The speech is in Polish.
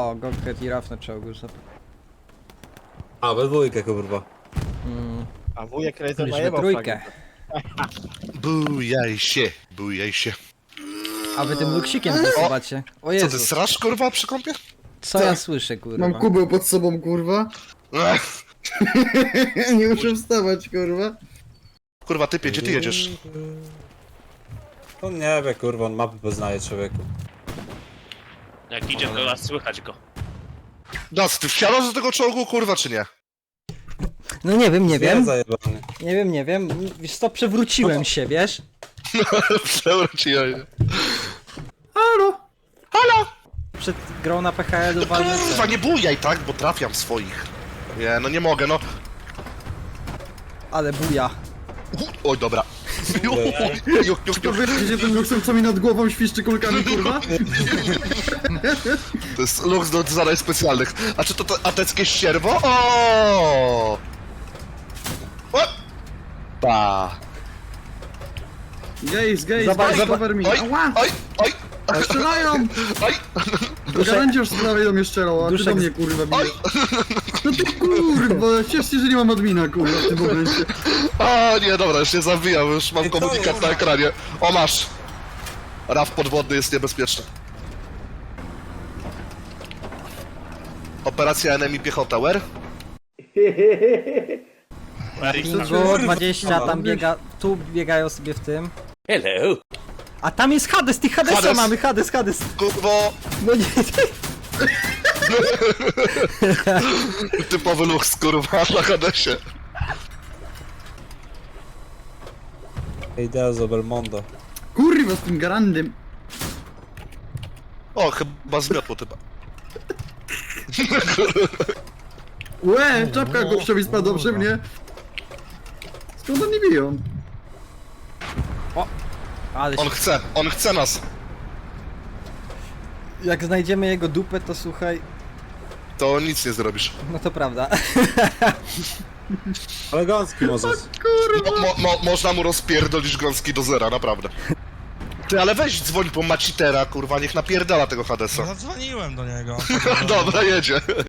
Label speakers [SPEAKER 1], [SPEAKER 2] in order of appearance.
[SPEAKER 1] O, Goldhead i Raf na czołgu.
[SPEAKER 2] A, we dwójkę, kurwa.
[SPEAKER 3] A wujek Razer
[SPEAKER 1] Już we
[SPEAKER 3] najebał
[SPEAKER 1] trójkę.
[SPEAKER 4] Bujaj się.
[SPEAKER 1] A wy tym luksikiem wysuwacie. O
[SPEAKER 4] Co ty,
[SPEAKER 1] Jezu,
[SPEAKER 4] srasz kurwa przy kąpie?
[SPEAKER 1] co ja słyszę, kurwa?
[SPEAKER 5] Mam kubeł pod sobą, kurwa. Nie muszę wstawać, kurwa.
[SPEAKER 4] Kurwa typie, gdzie ty jedziesz?
[SPEAKER 2] On nie wie, kurwa, on mapy poznaje, człowieku.
[SPEAKER 6] Jak idzie, to nas słychać go.
[SPEAKER 4] Dac, ty wsiadasz do tego czołgu, kurwa, czy nie?
[SPEAKER 1] No nie wiem, nie wiem.
[SPEAKER 2] Zajebany.
[SPEAKER 1] Nie wiem. Wiesz co, przewróciłem się, wiesz?
[SPEAKER 4] Przewróciłem się.
[SPEAKER 5] Halo?
[SPEAKER 4] Halo!
[SPEAKER 1] Przed grą na PHL-u
[SPEAKER 4] No
[SPEAKER 1] walnę.
[SPEAKER 4] kurwa, nie bujaj, tak? Bo trafiam swoich. Nie, no nie mogę, no.
[SPEAKER 1] Ale buja.
[SPEAKER 4] Oj, dobra.
[SPEAKER 5] To wy wiecie ten luksem, co mi nad głową świszczy kulkami, kurwa?
[SPEAKER 4] To jest luks do zadań specjalnych. A czy to ateckie ścierwo? O! Pa.
[SPEAKER 5] Gaze,
[SPEAKER 1] Zobacz,
[SPEAKER 5] cover me.
[SPEAKER 4] Oj,
[SPEAKER 5] Ała!
[SPEAKER 4] oj, oj,
[SPEAKER 5] Strzelają!
[SPEAKER 4] oj,
[SPEAKER 5] To garancie już z prawej do mnie strzelał, a ty
[SPEAKER 1] Duszek
[SPEAKER 5] do
[SPEAKER 1] z-
[SPEAKER 5] mnie, kurwa,
[SPEAKER 4] oj.
[SPEAKER 5] bijesz. No ty kurwa, ciesz się, że nie mam admina, kurwa, w tym momencie.
[SPEAKER 4] O nie, dobra, już się zawijam, już mam
[SPEAKER 2] Ej, co
[SPEAKER 4] komunikat
[SPEAKER 2] jest?
[SPEAKER 4] na ekranie. O, masz. Raf podwodny jest niebezpieczny. Operacja Enemy Piechota, where?
[SPEAKER 1] Pingu 20, tam biega, tu biegają sobie w tym.
[SPEAKER 6] Hello!
[SPEAKER 1] A tam jest Hades, tych Hadesa
[SPEAKER 4] Hades.
[SPEAKER 1] mamy, Hades.
[SPEAKER 4] Kurwo,
[SPEAKER 1] No nie,
[SPEAKER 4] typowy luks, kurwa, na Hadesie.
[SPEAKER 2] Idea z Belmondo.
[SPEAKER 5] Kurwa, z tym garandem.
[SPEAKER 4] O, chyba zmiotło typa.
[SPEAKER 5] Łe, czapka gościowi spadła przy mnie. Skąd oni biją?
[SPEAKER 1] ale
[SPEAKER 4] On chce nas.
[SPEAKER 1] jak znajdziemy jego dupę, to słuchaj,
[SPEAKER 4] To nic nie zrobisz.
[SPEAKER 1] no to prawda.
[SPEAKER 2] Ale gąski możesz.
[SPEAKER 4] Można mu rozpierdolić gąski do zera, naprawdę. Ty, ale weź dzwoń po Macitera, kurwa, niech napierdala tego Hadesa.
[SPEAKER 7] Zadzwoniłem do niego.
[SPEAKER 4] Dobra, jedzie.